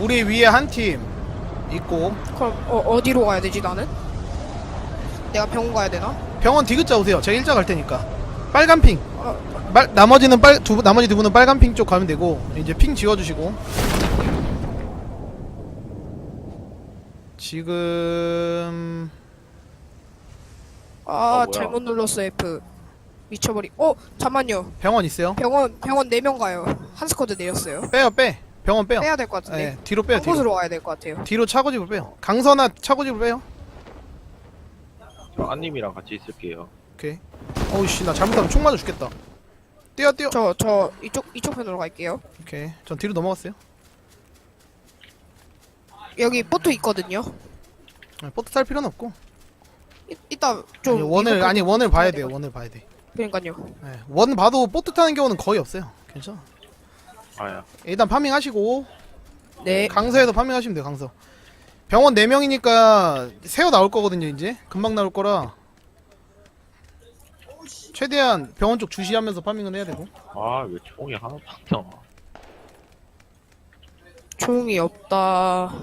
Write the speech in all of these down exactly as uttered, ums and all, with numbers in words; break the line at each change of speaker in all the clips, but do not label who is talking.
우리 위에 한 팀 있고.
그럼 어, 어디로 가야 되지 나는? 내가 병원 가야 되나?
병원 디귿자 오세요. 제가 일자 갈 테니까. 빨간 핑.
어,
빨, 나머지는 빨, 두, 나머지 두 분은 빨간 핑 쪽 가면 되고. 이제 핑 지워주시고. 지금
아,
아, 뭐야.
잘못 눌렀어 F. 미쳐버리. 어 잠만요.
병원 있어요.
병원 병원 네 명 가요. 한 스쿼드 내렸어요.
빼요 빼. 병원 빼요.
빼야 될 것 같은데.
네, 뒤로 빼요.
한
뒤로.
곳으로 가야 될 것 같아요.
뒤로 차고집을 빼요. 강선아 차고집을 빼요.
저 안님이랑 같이 있을게요.
오케이. 어우씨 나 잘못하면 총 맞아 죽겠다. 뛰어 뛰어.
저 저 이쪽 이쪽 편으로 갈게요.
오케이. 전 뒤로 넘어갔어요.
여기 보트 있거든요.
네, 버트 탈 필요는 없고.
이, 이따 좀
아니, 원을
이거
아니 원을 봐야
봐야
돼요.
돼요.
원을 봐야 돼.
그러니까요.
네, 원 봐도 보트 타는 경우는 거의 없어요. 괜찮아.
아야.
일단 파밍 하시고
네.
강서에서 파밍 하시면 돼요. 강서. 병원 네 명이니까 새어 나올 거거든요. 이제 금방 나올 거라 최대한 병원 쪽 주시하면서 파밍을 해야 되고.
아, 왜 총이 하나도 안 나와?
조용히 없다.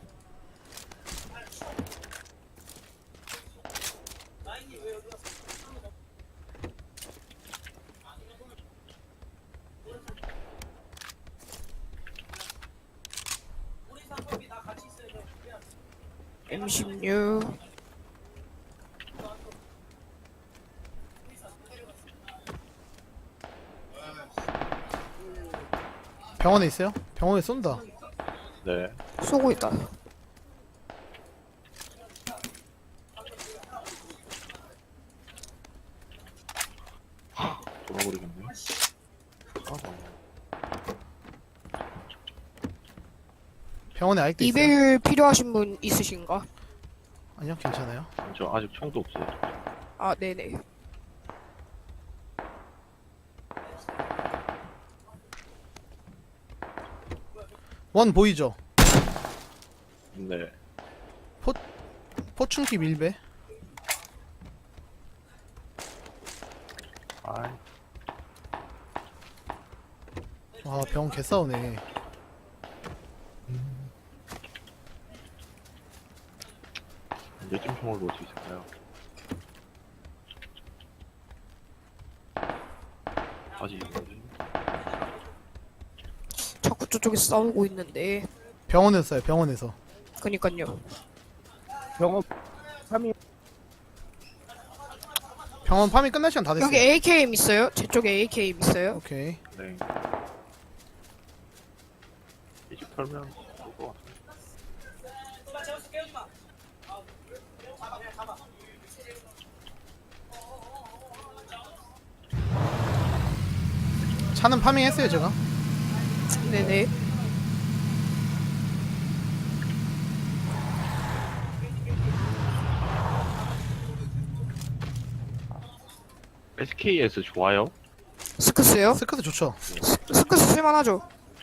엠 십육.
병원에 있어요? 병원에 쏜다.
네.
쏘고 있다.
돌아버리겠네. 아,
병원에 아직도 있어요.
이배율 필요하신 분 있으신가?
아니요 괜찮아요.
저 아직 총도 없어요.
아 네네.
원 보이죠?
네.
포춘기 밀배.
아이,
와 병원 개싸우네.
언제쯤 총을 놓을 수 있을까요? 아직 있는데.
자꾸 저쪽에 싸우고 있는데.
병원에서 쏴요. 병원에서.
그니까요.
병원 삼 인
병원 파밍 끝날 시간 다 됐어요.
여기 에이케이엠 있어요? 제 쪽에 에이케이엠 있어요?
오케이.
네. 이 집 털면 좋을 것 같은데.
차는 파밍했어요 제가.
네네.
에스케이에스 좋아요?
스크스요?
스커트 좋죠.
스크스 쓸만하죠?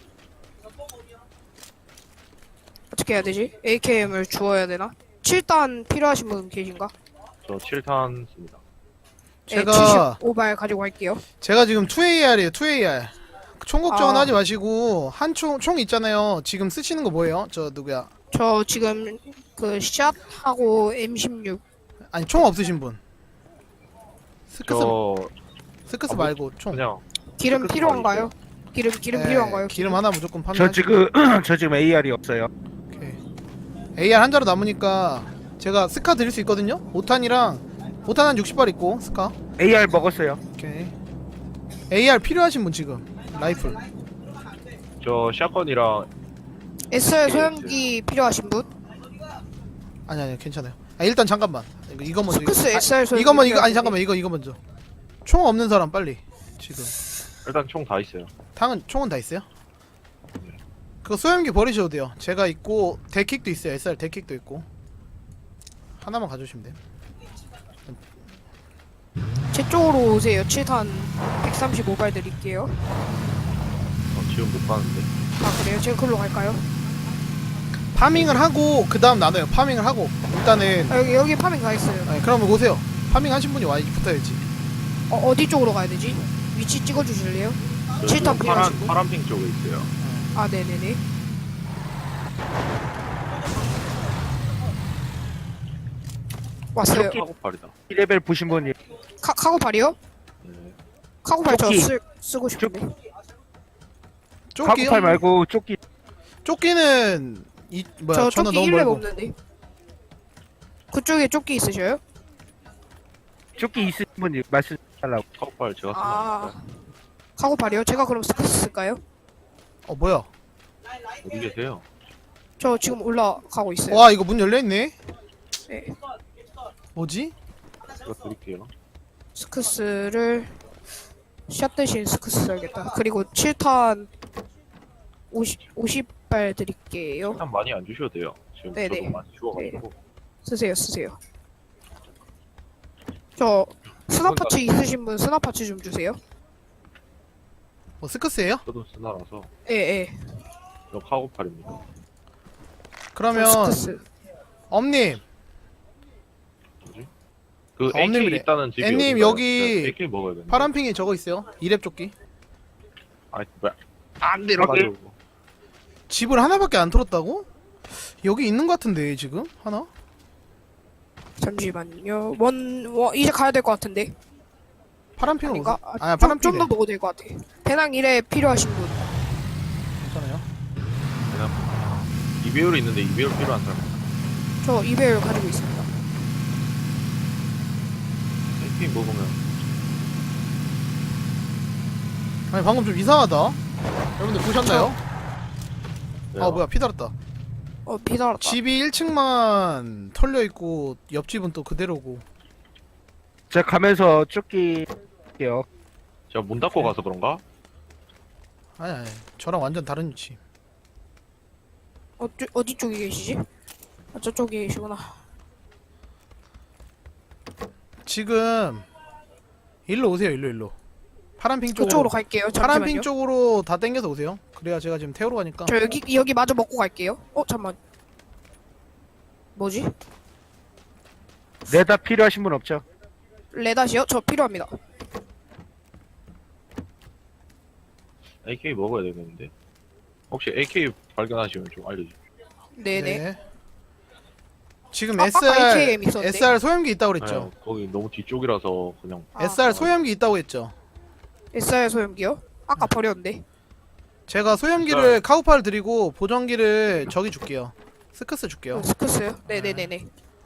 어떻게 해야 되지? 에이케이엠을 주어야 되나? 칠 단 필요하신 분 계신가?
저 칠 탄 씁니다.
제가
칠십오 발 가지고 갈게요.
제가 지금 투 에이알이에요. 투 에이알. 총 걱정은
아.
하지 마시고 한 총 총 있잖아요. 지금 쓰시는 거 뭐예요? 저 누구야?
저 지금 그 샷하고 엠 십육.
아니 총 없으신 분. 스크스
저
스크스
아, 뭐,
말고 총.
그냥
기름
스크스
필요한가요? 기름 기름
네,
필요한가요?
기름 하나 무조건 파밍.
저 지금 저 지금 에이알이 없어요.
오케이. 에이알 한 자루 남으니까 제가 스카 드릴 수 있거든요. 오 탄이랑 오 탄 한 육십 발 있고 스카.
에이알 먹었어요.
오케이. 에이알 필요하신 분 지금. 라이플.
저 샷건이랑
에스알 소형기 필요하신 분?
아니 아니 괜찮아요. 아, 일단 잠깐만. 이거, 이거 먼저.
스크스
이거,
에스알
아,
소형기
이거 먼저 이거 아니
필요하신
잠깐만 이거 이거 먼저. 총 없는 사람 빨리. 지금.
일단 총 다 있어요.
탕은 총은 다 있어요? 그거 소염기 버리셔도 돼요. 제가 있고 데킥도 있어요. 에스알 데킥도 있고. 하나만 가져오시면 돼요.
분? 제 쪽으로 오세요. 칠 탄 백삼십오 발 드릴게요.
어, 지금 못 가는데.
아 그래요? 제가 글로 갈까요?
파밍을 하고 그 다음 나눠요. 파밍을 하고 일단은
아, 여기 여기 파밍 가 있어요.
아니, 그러면 오세요. 파밍 하신 분이 와야지 붙어야지.
어, 어디 쪽으로 가야 되지? 위치 찍어 주실래요?
저
칠 탄
지금
필요하신
파란
분?
파란핑 쪽에 있어요.
아 네네네. 왔어요.
카고팔이다.
이 레벨 보신 분이
카 카고팔이요?
네.
카고팔 저
조끼.
쓰, 쓰고 싶은데.
조끼요?
카고팔 말고 조끼.
조끼는 이 뭐야
저
저는
조끼
너무
일 렙
멀고.
없는데. 그쪽에 조끼 있으셔요?
조끼 있으신 분이 말씀 달라고.
카고팔 제가
아.
쓰나?
카고팔이요? 제가 그럼 스크스 쓸까요?
어 뭐야?
어디 계세요?
저 지금 올라가고 있어요.
와 이거 문 열려 있네.
네.
뭐지?
제가 드릴게요.
스크스를 샷 대신 스크스 써야겠다. 그리고 칠 탄 오십, 오십 발 드릴게요.
일단 많이 안 주셔도 돼요. 지금
네네.
저도 많이 주워가지고.
쓰세요, 쓰세요. 저 스나파츠 있으신 분 스나파츠 좀 주세요.
뭐 스커스예요?
저도 스나라서
예, 예.
저 카고팔입니다.
그러면
스크스.
엄님,
그
아,
에이케이
엄님이래.
있다는 집이
엠님,
어딘가요?
여기
제가 에이케이 먹어야 되는데.
파란핑이 저거 있어요. 이렙 조끼.
아이 뭐야?
안
가지고
집을 하나밖에 안 털었다고? 여기 있는 것 같은데 지금 하나?
잠시만요. 원, 원 이제 가야 될 것 같은데.
파란핑은
아닌가?
어디서? 아니야
좀,
파란핑.
좀더 먹어도 될 것 같아. 배낭 일에 필요하신 분.
괜찮아요.
그냥 이배율이 있는데 이배율 필요한 사람.
저 이배율 가지고 있습니다.
에이케이 먹으면
아니 방금 좀 이상하다. 여러분들 보셨나요?
돼요.
아 뭐야 피 달았다.
어, 비달았다.
집이 일 층만 털려 있고 옆집은 또 그대로고.
제가 가면서 조끼 할게요.
제가 문 닫고 가서 그런가?
아니 아니 저랑 완전 다른 위치.
어, 쭈, 어디 쪽에 계시지? 아, 저쪽에 계시구나.
지금 일로 오세요 일로 일로. 파란핑 쪽으로.
그쪽으로 갈게요. 잠시만요.
파란핑 쪽으로 다 당겨서 오세요. 그래야 제가 지금 태우러 가니까.
저 여기 여기 마저 먹고 갈게요. 어, 잠만. 뭐지?
레다 필요하신 분 없죠?
레닷이요? 저 필요합니다.
에이케이 먹어야 되겠는데. 혹시 에이케이 발견하시면 좀 알려주세요.
네네.
지금
아, 아까
에스알
에이케이엠 있었는데?
에스알 소염기 있다고 그랬죠.
네, 거기 너무 뒤쪽이라서 그냥
아,
에스알 소염기 있다고 했죠.
에스알 소염기요? 아까 버렸는데.
제가 소염기를 카우팔 드리고 보정기를 저기 줄게요. 스크스 줄게요.
어, 스크스요? 네네네네.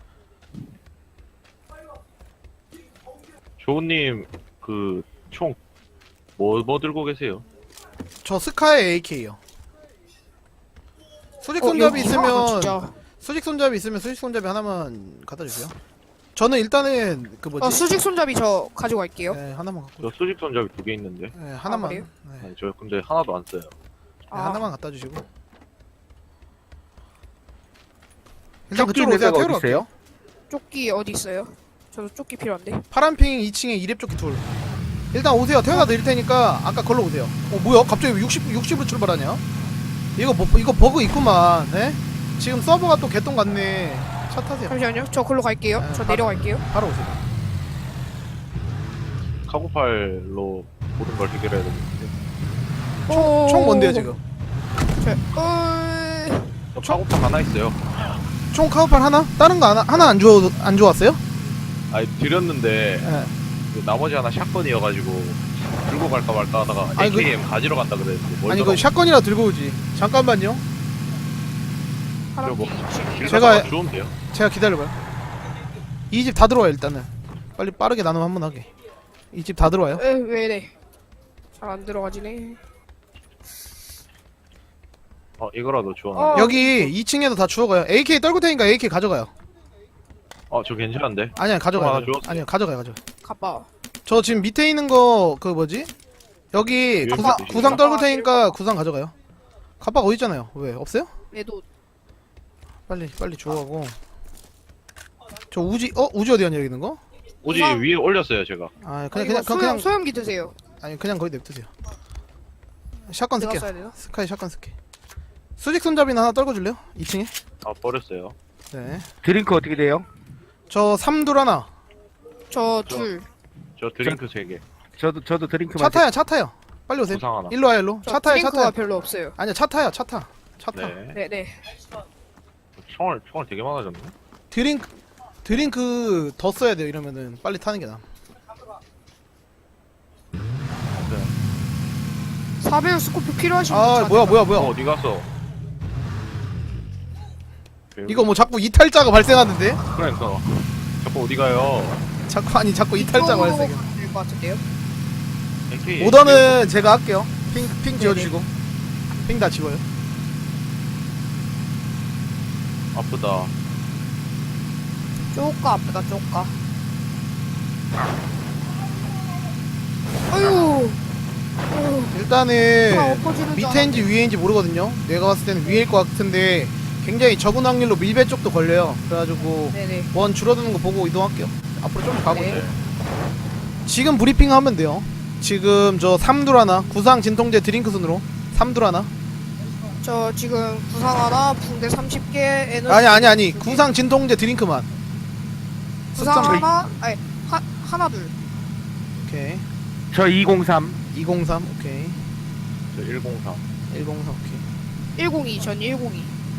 조우님 그 총 뭐 뭐 들고 계세요?
저 스카의 에이케이요. 수직
어,
손잡이
여기 이상하다,
있으면
진짜.
수직 손잡이 있으면 수직 손잡이 하나만 갖다 주세요. 저는 일단은 그 뭐지?
어, 수직 손잡이 저 가지고 갈게요.
네, 하나만 갖고.
저 수직 손잡이 두 개 있는데.
네, 하나만.
그래요?
네,
아니, 저 근데 하나도 안 써요.
네,
아,
하나만 갖다 주시고. 일단
조끼
그쪽으로
있는
오세요.
데가
태우러
어디 있어요?
갈게요.
조끼 어디 있어요? 저도 조끼 필요한데.
파란핑 이 층에 이렙 조끼 둘. 일단 오세요. 태워다 드릴 테니까 아까 걸로 오세요. 어 뭐야? 갑자기 육십 육십으로 출발하냐? 이거 뭐 이거 버그 있구만. 네? 지금 서버가 또 개똥 같네. 차 타세요.
잠시만요. 저 글로 갈게요.
네,
저
바-
내려갈게요.
바로 오세요.
카고팔로 모든 걸 해결해야 되는데.
오,
총 뭔데요 지금?
저, 어...
저 카고팔 하나 있어요.
총 카우팔 하나? 다른 거 하나 하나 안 주워 안 주웠어요?
아니 드렸는데
네.
그 나머지 하나 샷건이어가지고 들고 갈까 말까 하다가
아니, 그-
에이케이엠 가지러 간다 그랬는데
아니 그 샷건이라 들고 오지. 잠깐만요.
파란
뭐-
핑.
제가-
제가 주면 돼요.
제가 기다려봐요. 이 집 다 들어와요 일단은. 빨리 빠르게 나눔 한번 하게. 이 집 다 들어와요.
에, 왜 이래? 잘 안 들어가지네.
어 이거라도 주워.
어.
여기 이 층에도 다 주워가요. 에이케이 떨굴 테니까 에이케이 가져가요.
어저 괜찮은데.
아니야 가져가요.
하나
가져가요.
주웠어요.
아니야 가져가요 가져.
가봐.
저 지금 밑에 있는 거 그 뭐지? 여기
위에
구상,
있으신가?
구상 떨굴 테니까 구상 가져가요. 갑박 어디 있잖아요. 왜 없어요?
얘도
빨리 빨리 주워가고. 저 우지 어 우지 어디 갔냐 여기 있는 거?
오지
우선-
위에 올렸어요 제가.
아
아,
그냥
이거
그냥
소염,
그냥
소염기 드세요.
아니 그냥 거기 냅두세요. 샷건
내가
쓸게요.
써야 되나?
스카이 샷건 쓸게. 수직 손잡이나 하나 떨궈 줄래요? 이 층에?
아 버렸어요.
네.
드링크 어떻게 돼요?
저 삼둘 하나.
저
저-
둘.
저 드링크 세 개.
저도 저도 드링크
차 타요 차 타요. 빨리 오세요.
구상 하나.
일로 와요 일로.
저
차 타요 차
드링크가
타요.
별로 없어요.
아니야 차 타요 차 타. 차 타.
네.
네네.
총알 총알 되게 많아졌네.
드링크 드링크 더 써야 돼요. 이러면은 빨리 타는 게 나아.
사배율 스코프 필요하신 분
아
자대나?
뭐야 뭐야
어,
뭐야.
어디 갔어?
이거 뭐 자꾸 이탈자가 발생하는데?
그러니까 자꾸 어디 가요?
자꾸 아니 자꾸 이탈자가
이쪽으로
발생해.
가면 될것 같은데요?
에이케이
오더는 제가 할게요. 핑, 핑
네네.
지워주시고. 핑 다 지워요.
아프다.
쪼까 아프다 쪼까. 아유. 아유. 차
일단은
엎어지는 줄
밑에인지 위에인지 모르거든요. 내가 봤을 때는 위일 것 같은데 굉장히 적은 확률로 밀배 쪽도 걸려요. 그래가지고
네네.
원 줄어드는 거 보고 이동할게요. 앞으로 좀 가보죠.
네.
지금 브리핑 하면 돼요. 지금 저 삼둘 하나, 구상 진통제 드링크 순으로 삼둘 하나.
저 지금 구상 하나, 붕대 삼십 개, 에너지
아니 아니 아니
두 개.
구상 진통제 드링크만.
구상
숫자만.
하나, 아니 하, 하나 둘.
오케이.
저 이공삼.
이공삼 오케이.
저 일공삼.
일공삼 오케이.
일공이 전 일공이.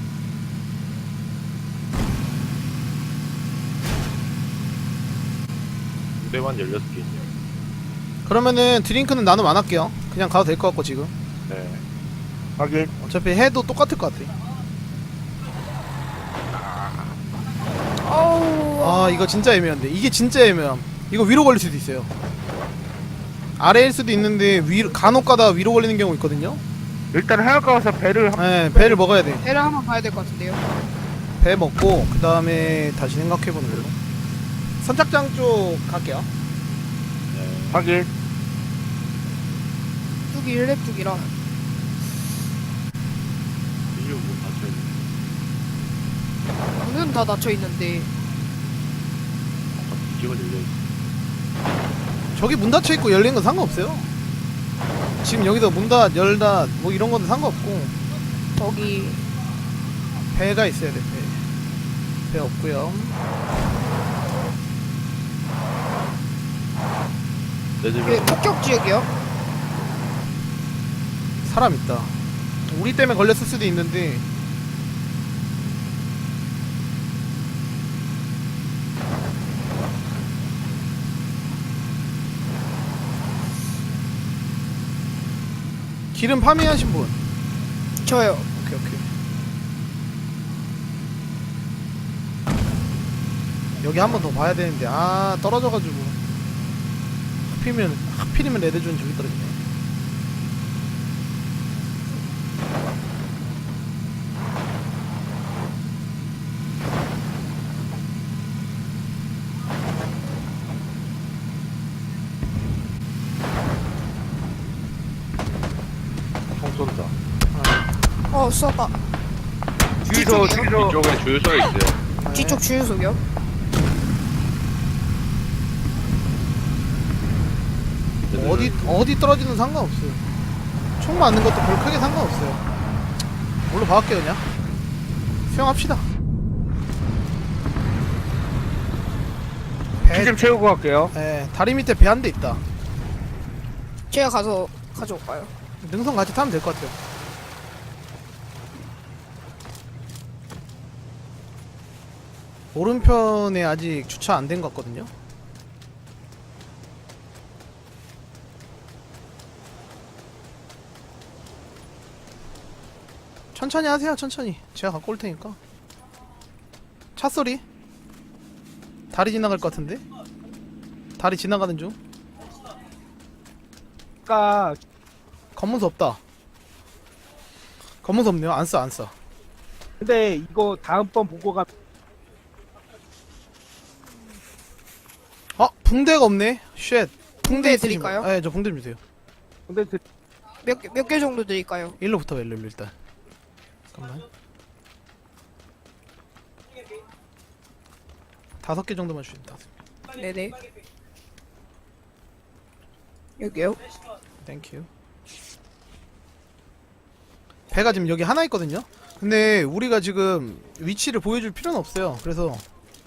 무대만 열여섯 개 있네요.
그러면은 드링크는 나눔 안 할게요. 그냥 가도 될 것 같고 지금.
네.
확인.
어차피 해도 똑같을 것 같아.
어우.
아 이거 진짜 애매한데. 이게 진짜 애매함. 이거 위로 걸릴 수도 있어요. 아래일 수도 있는데 위로 간혹 가다 위로 걸리는 경우 있거든요.
일단 해안가 가서 배를 한...
네, 배를 먹어야 돼.
배를 한번 봐야 될 것 같은데요.
배 먹고 그 다음에 다시 생각해보는 걸로. 선착장 쪽 갈게요.
네.
확인.
뚝이 일렙 뚝이라.
일육 문 닫혀있네.
문은 다 닫혀 있는데.
아, 뒤집어 열려있어.
저기 문 닫혀 있고 열린 건 상관없어요. 지금 여기서 문 닫, 열다 뭐 이런 건 상관없고
저기
배가 있어야 돼. 배. 배 없고요.
내 집에
그 폭격 지역이요.
사람 있다. 우리 때문에 걸렸을 수도 있는데. 기름 파밍하신 분.
저요.
오케이 오케이. 여기 한 번 더 봐야 되는데 아 떨어져가지고 하필이면 하필이면 레드존 저기 떨어지네.
총 쏜다.
어 쏘다.
주유소,
뒤쪽이요?
주유소.
이쪽에 주유소에 있어요.
네.
뒤쪽 주유소요.
어디 어디 떨어지는 상관없어요. 총 맞는 것도 별 크게 상관없어요. 뭘로 박을게요 그냥. 수영합시다. 배,
피 좀 채우고 갈게요.
예, 다리 밑에 배 한 대 있다.
제가 가서 가져올까요?
능선 같이 타면 될 것 같아요. 오른편에 아직 주차 안 된 것 같거든요. 천천히 하세요. 천천히 제가 갖고 올 테니까. 차 소리 다리 지나갈 것 같은데. 다리 지나가는 중.
아까
검문서 없다. 검문서 없네요. 안 써, 안 써.
근데 이거 다음번 보고 가.
어? 붕대가 없네. 쉣.
붕대
있으신
드릴까요?
분. 네, 저 붕대 주세요.
근데 그
몇 개 몇 개 정도 드릴까요?
일로 붙어봐, 일로, 일로 일단. 잠깐만. 다섯 개 정도만 주세요. 다섯 개.
네네. 여기요.
땡큐. 배가 지금 여기 하나 있거든요. 근데 우리가 지금 위치를 보여줄 필요는 없어요. 그래서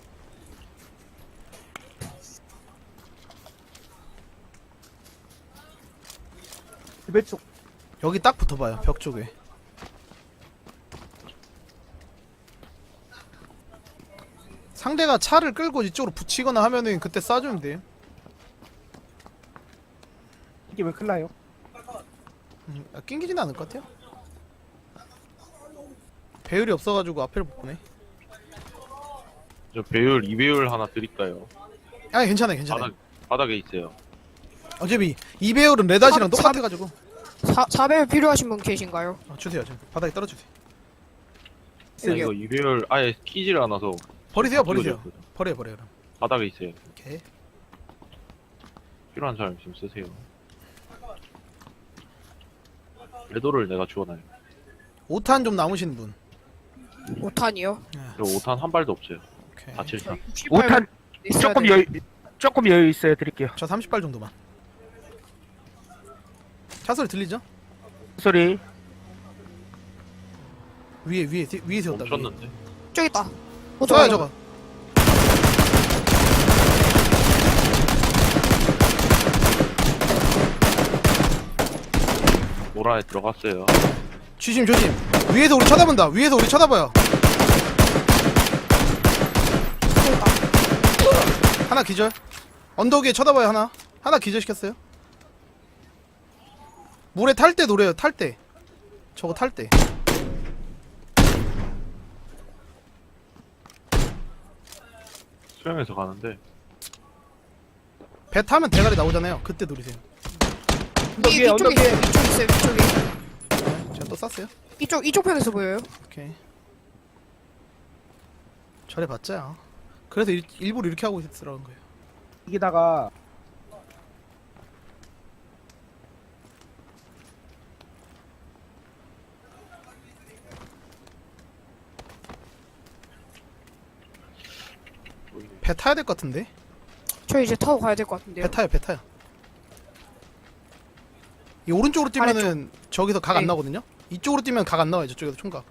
집에 쪽.
여기 딱 붙어봐요. 벽 쪽에. 상대가 차를 끌고 이쪽으로 붙이거나 하면은 그때 쏴주면 돼요.
이게 왜 큰일 나요?
음, 아, 낑기지는 않을 것 같아요. 배율이 없어가지고 앞을 못 보네.
저 배율 이 배율 하나 드릴까요?
아 괜찮아요 괜찮아요.
바닥 바닥에 있어요.
어차피 이 배율은 레닷이랑
사-
똑같아가지고.
사, 사 배율 필요하신 분 계신가요?
아, 주세요 좀 바닥에 떨어주세요.
나
여기요.
이거 이 배율 아예 끼질 않아서
버리세요 버리세요.
끼워졌거든.
버려요 버려요 그럼.
바닥에 있어요.
오케이.
필요한 사람 좀 쓰세요. 레도를 내가 주워놔요.
오 탄 좀 남으신 분.
오 탄이요?
저 오 탄 한 발도 없어요.
오케이.
다 칠 탄.
육십팔
오 탄
있어야
조금
돼요.
여유 조금 여유 있어요. 드릴게요.
저 삼십 발 정도만. 차 소리 들리죠?
소리.
위에 위에 뒤- 위에 세웠다. 위에.
멈췄는데.
저기 있다.
저거야
오토바이
저거.
노라에 들어갔어요.
조심 조심. 위에서 우리 쳐다본다. 위에서 우리 쳐다봐요.
저기 있다.
하나 기절. 언덕 위에 쳐다봐요 하나. 하나 기절 시켰어요. 물에 탈 때 노래요. 탈 때. 저거 탈 때.
수영해서 가는데
배 타면 대가리 나오잖아요. 그때 노리세요.
언덕
이,
위에,
이쪽에
언덕
있어요.
위에.
이쪽 있어요. 이쪽에.
네, 제가 또 쐈어요.
이쪽 이쪽 편에서 보여요.
오케이. 저래봤자. 그래서 일, 일부러 이렇게 하고 있으라는 거예요.
여기다가
배 타야 될 것 같은데.
저 이제 타고 가야 될 것 같은데요.
배 타요 배 타요. 이 오른쪽으로 뛰면은 저기서 각 안
네.
나거든요. 이쪽으로 뛰면 각 안 나와요. 저쪽에서 총각.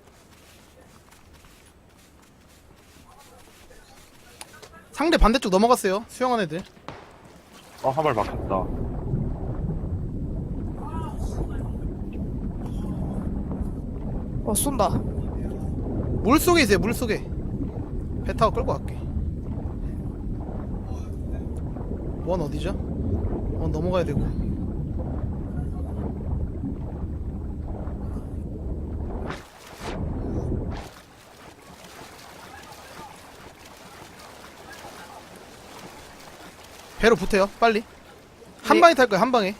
상대 반대쪽 넘어갔어요. 수영한 애들.
어 한 발 막혔다.
어 쏜다.
물 속에 있어요. 물 속에. 배 타고 끌고 갈게. 원 어디죠? 원 넘어가야 되고. 배로 붙어요. 빨리. 한
네.
방에 탈 거야. 한 방에.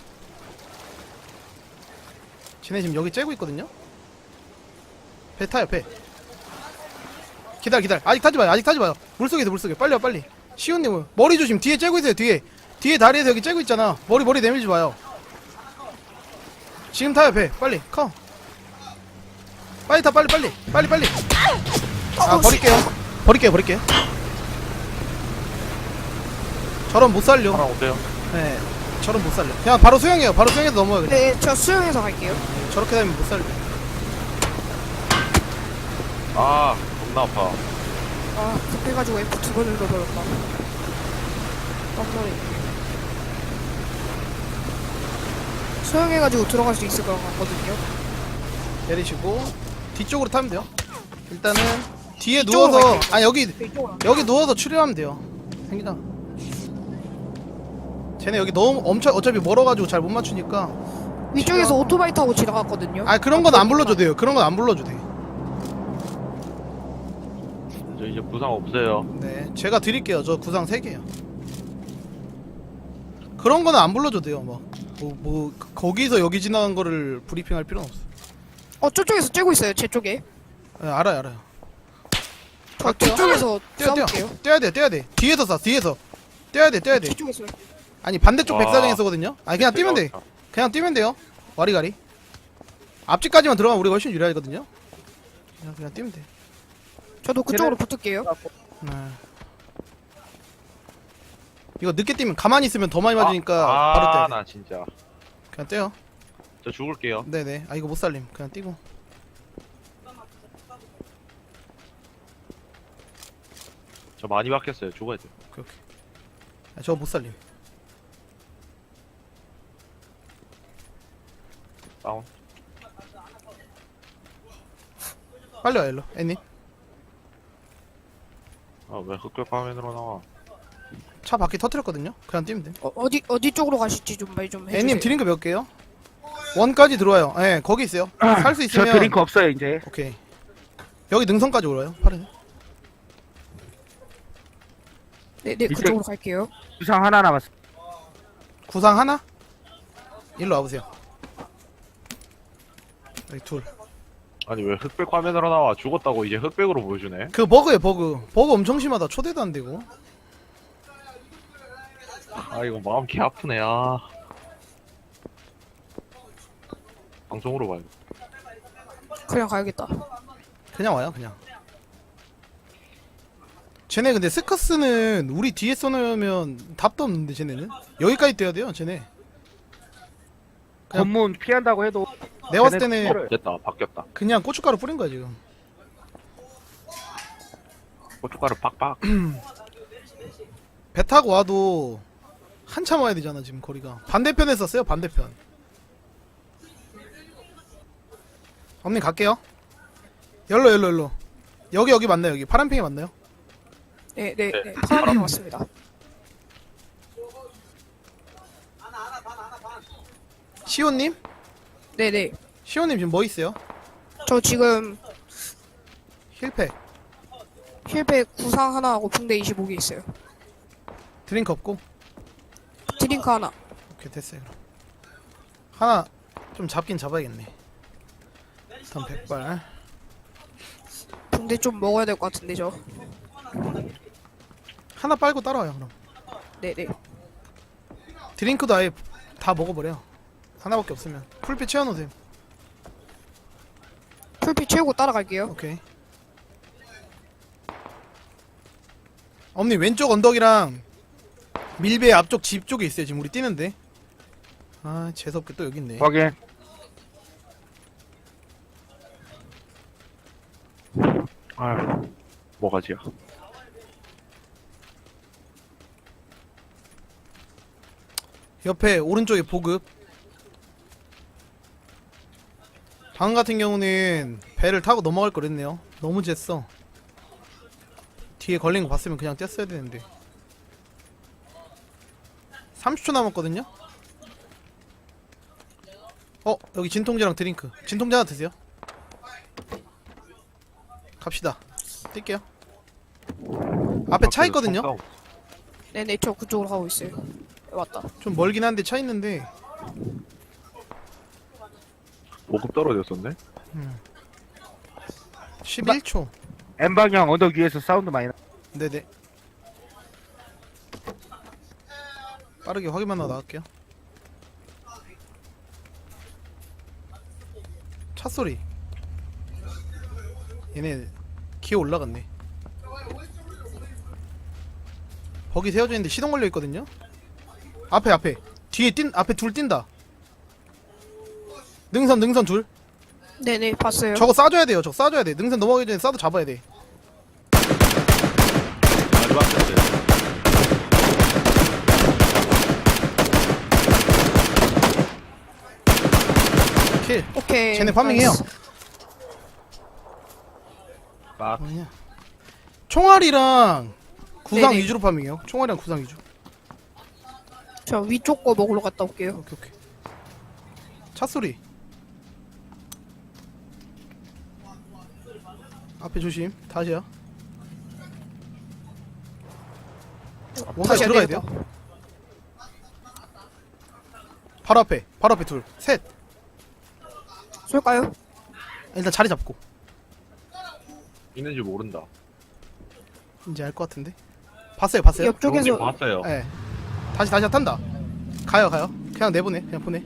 쟤네 지금 여기 째고 있거든요. 배 타요. 배. 기다려 기다려. 아직 타지 마요. 아직 타지 마요. 물속에서 물속에. 빨리 와 빨리. 시온님 머리 조심. 뒤에 째고 있어요. 뒤에. 뒤에 다리에서 여기 째고 있잖아. 머리 머리 내밀지 마요. 지금 타요 배. 빨리 커. 빨리 타 빨리 빨리 빨리 빨리. 아
어,
버릴게요. 버릴게요 버릴게요. 저런 못 살려.
하나 오세요.
네. 저런 못 살려. 그냥 바로 수영해요. 바로 수영해서 넘어요 그냥.
네, 저 수영해서 갈게요.
저렇게 되면 못 살려.
아 겁나 아파.
아, 급해가지고 에프 두 번을 넣어버렸다. 깜놀이. 수영해가지고 들어갈 수 있을 것 같거든요.
내리시고 뒤쪽으로 타면 돼요. 일단은 뒤에
이쪽으로
누워서
갈게요.
아 여기
네, 이쪽으로.
여기 누워서 추리하면 돼요. 생기다. 쟤네 여기 너무 엄청 어차피 멀어가지고 잘 못 맞추니까.
위쪽에서 오토바이 타고 지나갔거든요.
아 그런 건 안 불러줘도 돼요. 그런 건 안 불러줘도 돼.
저 이제 부상 없어요.
네, 제가 드릴게요. 저 구상 세 개요. 그런 거는 안 불러줘도 돼요. 뭐, 뭐, 뭐 그- 거기서 여기 지나간 거를 브리핑할 필요는 없어.
어, 저쪽에서 째고 있어요. 제 쪽에.
네, 알아요, 알아요.
저
갈게요.
뒤쪽에서
뛰어, 뛰어,
싸울게요.
뛰어야 돼, 뛰어야 돼. 뒤에서 쏴, 뒤에서. 뛰어야 돼, 뛰어야 돼.
뒤쪽에서.
아니 반대쪽
와.
백사장에 서거든요. 아니 그냥 뛰면 돼.
제가
그냥 뛰면 돼요. 와리가리. 앞집까지만 들어가면 우리가 훨씬 유리하거든요. 그냥 그냥 뛰면 돼.
저도 그쪽으로 붙을게요.
네. 이거 늦게 뛰면 가만히 있으면 더 많이 맞으니까
아,
바로 뛰어야 돼.
나 진짜.
그냥 뛰어.
저 죽을게요.
네네. 아 이거 못 살림. 그냥 뛰고.
저 많이 막혔어요. 죽어야 돼.
오케이 오케이. 아, 저거 못 살림.
다운.
빨리 와 일로. 애님.
아, 왜 흑백 화면으로 나와?
차 바퀴 터뜨렸거든요. 그냥 뛰면 돼.
어, 어디 어디 쪽으로 가실지 좀 말 좀 해주세요.
애님 드링크 몇 개요? 원까지 들어와요. 예, 거기 있어요. 살 수
저
있으면.
드링크 없어요 이제.
오케이. 여기 능선까지 올라요. 파란.
네네
이쪽-
그쪽으로 갈게요.
구상 하나 남았어.
구상 하나? 일로 와보세요. 여기 둘.
아니 왜 흑백 화면으로 나와? 죽었다고 이제 흑백으로 보여주네.
그 버그에 버그. 버그 엄청 심하다. 초대도 안 되고.
아 이거 마음 개 아프네. 아. 방송으로 봐요.
그냥 가야겠다.
그냥 와요, 그냥. 쟤네 근데 스커스는 우리 뒤에 써놓으면 답도 없는데 쟤네는 여기까지 뛰어야 돼요, 쟤네. 그냥-
검문 피한다고 해도
내가 봤을
쟤네
때는
피해를-
됐다. 바뀌었다.
그냥 고춧가루 뿌린 거야 지금.
고춧가루 빡빡.
배 타고 와도 한참 와야 되잖아 지금 거리가. 반대편에 썼어요, 반대편. 엄님 갈게요. 열로 열로 열로. 여기 여기 맞나요? 여기 파란팽이 맞나요?
네네
네.
네, 파란색 맞습니다.
시온님?
네네
시온님 지금 뭐 있어요?
저 지금
힐팩.
힐백 구상 하나 하고 붕대 이십오 개 있어요.
드링크 없고.
드링크 하나.
오케이 됐어요 그럼. 하나 좀 잡긴 잡아야겠네. 일단 백발.
붕대 좀 먹어야 될 것 같은데 저.
하나 빨고 따라와요 그럼.
네네
드링크도 아예 다 먹어버려. 하나밖에 없으면 풀빛 채워놓으세요.
풀빛 채우고 따라갈게요.
오케이. 엄니 왼쪽 언덕이랑 밀배 앞쪽 집 쪽에 있어요. 지금 우리 뛰는데. 아 재수없게 또 여기 있네.
확인.
아, 뭐가지야?
옆에 오른쪽에 보급. 방금 같은 경우는 배를 타고 넘어갈 걸 그랬네요. 너무 쟀어. 뒤에 걸린 거 봤으면 그냥 뗐어야 되는데. 삼십 초 남았거든요? 어, 여기 진통제랑 드링크. 진통제 하나 드세요. 갑시다. 뛸게요. 앞에 차 있거든요?
네네 저 그쪽으로 가고 있어요. 네, 왔다.
좀 멀긴 한데 차 있는데.
보급 떨어졌었네?
십일 초.
M 방향 언덕 위에서 사운드 많이 나.
네네. 빠르게 확인만 하고 나갈게요. 차 소리. 얘네 기어 올라갔네. 버기 세워져 있는데 시동 걸려 있거든요. 앞에 앞에 뒤에 뛴 앞에 둘 뛴다. 능선 능선 둘.
네네 봤어요.
저거 쏴줘야 돼요. 저거 쏴줘야 돼. 능선 넘어가기 전에 쏴도 잡아야 돼.
마지막 세트.
킬.
오케이.
쟤네 파밍해요.
나이스.
빡.
뭐냐? 총알이랑 구상
네네.
위주로 파밍해요. 총알이랑 구상 위주.
저 위쪽 거 먹으러 갔다 올게요.
오케이 오케이. 차 소리. 앞에 조심. 다시요. 뭔가
다시
들어가야
내려봐.
돼요. 바로 앞에. 바로 앞에 둘. 셋.
쏠까요?
일단 자리 잡고.
있는지 모른다.
이제 알 것 같은데. 봤어요. 봤어요?
옆쪽에서
저번에 봤어요.
예. 다시 다시 탄다. 가요 가요. 그냥 내보내. 그냥 보내.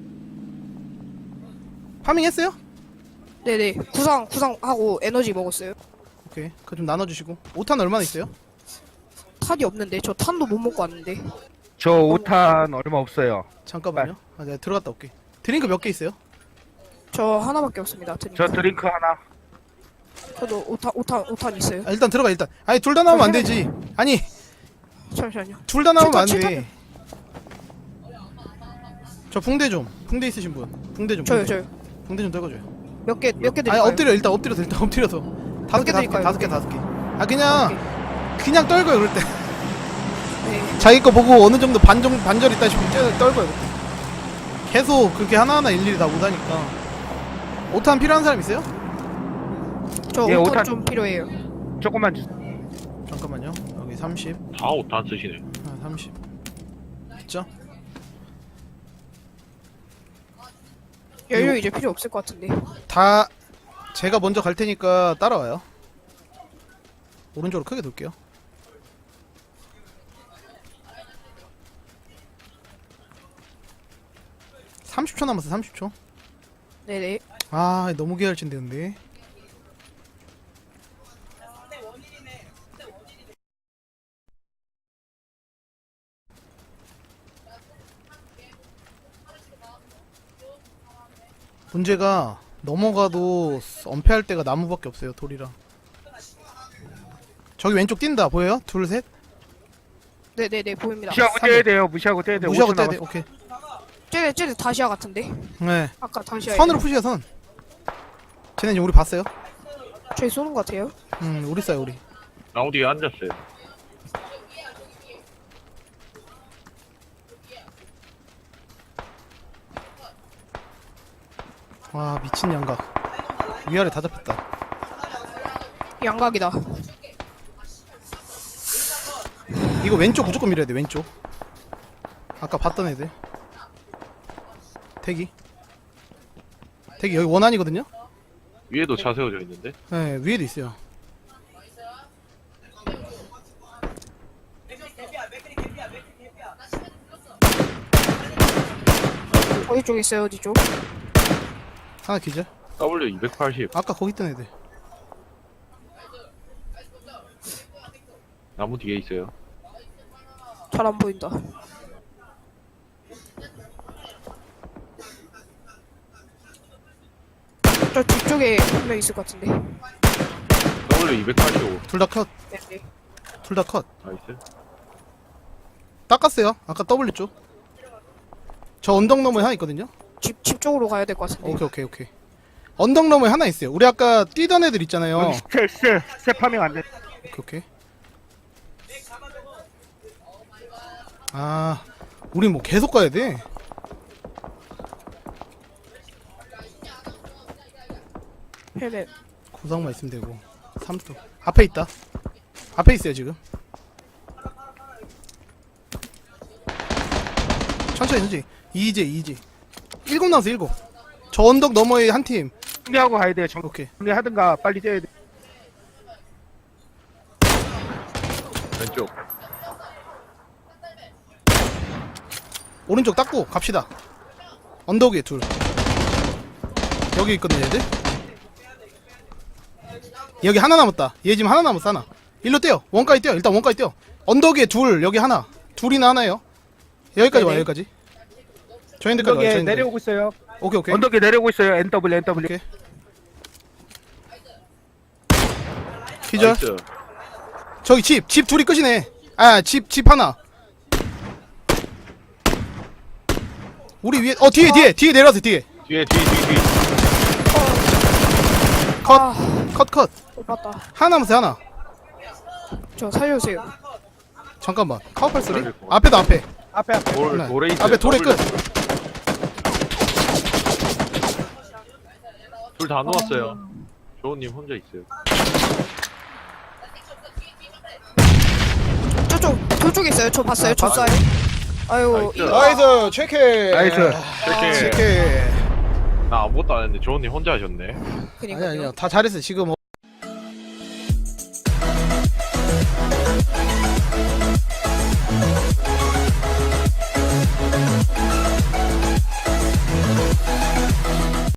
파밍했어요?
네네 구상 구상 하고 에너지 먹었어요.
오케이. 그거 좀 나눠주시고. 오탄 얼마나 있어요?
탄이 없는데 저 탄도 못 먹고 왔는데.
저 오탄 얼마 없어요.
잠깐만요. 아, 내가 들어갔다 올게. 드링크 몇 개 있어요?
저 하나밖에 없습니다. 드링크.
저 드링크 하나.
저도 오탄 오탄 오탄 있어요.
아, 일단 들어가 일단. 아니 둘 다 나오면 안 되지. 아니
잠시만요.
둘 다 나오면 안
칠탄,
돼. 저 붕대 좀. 붕대 있으신 분. 붕대 좀.
저요
붕대.
저요.
붕대 좀 떨궈줘요.
몇 개 몇 개
아니
드릴까요?
엎드려 일단 엎드려서 일단 엎드려서. 다섯 개 다섯 개
드릴까요?
다섯 개 다섯 개. 아 그냥 그냥 떨궈요 그럴 때.
네.
자기 거 보고 어느 정도 반정 반절 있다 싶으면 째- 떨궈요 그때. 계속 그렇게 하나하나 일일이 다 못하니까. 오탄 필요한 사람 있어요?
저
예,
오탄
오탄-
좀 필요해요.
조금만 주세요.
잠깐만요. 여기 삼십.
다 오탄 쓰시네.
아, 삼십. 있죠?
연료 이제 필요 없을 것 같은데.
다 제가 먼저 갈 테니까 따라와요. 오른쪽으로 크게 돌게요. 삼십 초 남았어. 삼십 초.
네네.
아, 너무 계열친데 근데. 문제가 넘어가도 엄폐할 데가 나무밖에 없어요. 돌이랑. 저기 왼쪽 뛴다. 보여요? 둘, 셋.
네네네 보입니다.
무시하고
삼
떼야
번.
돼요. 무시하고 떼야 돼요.
무시하고
오 초
떼야 돼.
남았어.
오케이.
쟤네 쟤네 다시아 같은데.
네.
아까 다시아.
선으로 푸시야 선. 쟤네 지금 우리 봤어요?
저희 쏘는 것 같아요.
음, 우리 싸요 우리.
나무 뒤에 앉았어요.
와, 미친 양각. 위아래 다 잡혔다.
양각이다.
이거 왼쪽 무조건 밀어야 돼. 왼쪽. 아까 봤던 애들. 대기. 대기 여기 원안이거든요.
위에도 차 세워져 있는데.
네, 위에도 있어요.
어디 쪽 있어요? 어디 쪽?
하나 기절.
W 이백팔십.
아까 거기 있던 애들.
나무 뒤에 있어요.
잘 안 보인다. 저 뒤쪽에 한 명 있을 것 같은데.
W 이백팔십오.
둘 다 컷.
네네.
둘 다 컷.
나이스.
닦았어요. 아까 W 쪽. 저 언덕 너머에 하나 있거든요.
집, 집 쪽으로 가야 될 것 같은데.
오케이 오케이 오케이. 언덕 너머에 하나 있어요. 우리 아까 뛰던 애들 있잖아요.
여기 스텝 스텝 스텝 파밍 안 돼.
오케이 오케이. 아, 우리 뭐 계속 가야 돼.
헬멧.
구상만 있으면 되고. 삼도 앞에 있다. 앞에 있어요 지금. 천천히 천천히. 이제 이제. 일곱 나왔어 일곱. 저 언덕 너머에 한 팀.
정리하고 가야 돼요.
오케이.
정리하든가 빨리 떼야 돼.
왼쪽.
오른쪽 닦고 갑시다. 언덕 위에 둘. 여기 있거든 얘들. 여기 하나 남았다. 얘 지금 하나 남았어 하나. 일로 뛰어. 원까지 뛰어. 일단 원까지 뛰어. 언덕 위에 둘. 여기 하나. 둘이나 하나예요. 여기까지 와
네네.
여기까지. 저희들까지 와요.
언덕에
저희들.
내려오고 있어요.
오케이 오케이.
언덕에 내려오고 있어요. 엔 더블유 엔 더블유.
오케이. 기절.
나이스.
저기 집. 집 둘이 끝이네. 아, 집 집 하나. 우리 위에 어 뒤에 뒤에 뒤에 내려왔어 뒤에.
뒤에 뒤에 뒤에 뒤에.
컷.
아,
컷 컷.
못 봤다.
하나 남았어 하나.
저 살려주세요.
잠깐만. 카우팔 소리?
살릴 것 같아.
앞에도 앞에.
앞에 앞에.
돌
하나.
돌에 있어요.
앞에 돌에 끝.
둘 다 누웠어요. 조은님 혼자 있어요.
저쪽, 저쪽에 있어요. 저 봤어요.
아,
저
봤어요.
쏴요. 아유,
나이스.
이거.
나이스 체크.
나이스.
이렇게
체크.
나 아무것도 안 했는데 조은님 혼자 하셨네.
아니
그니까요.
아니요 다 잘했어 지금.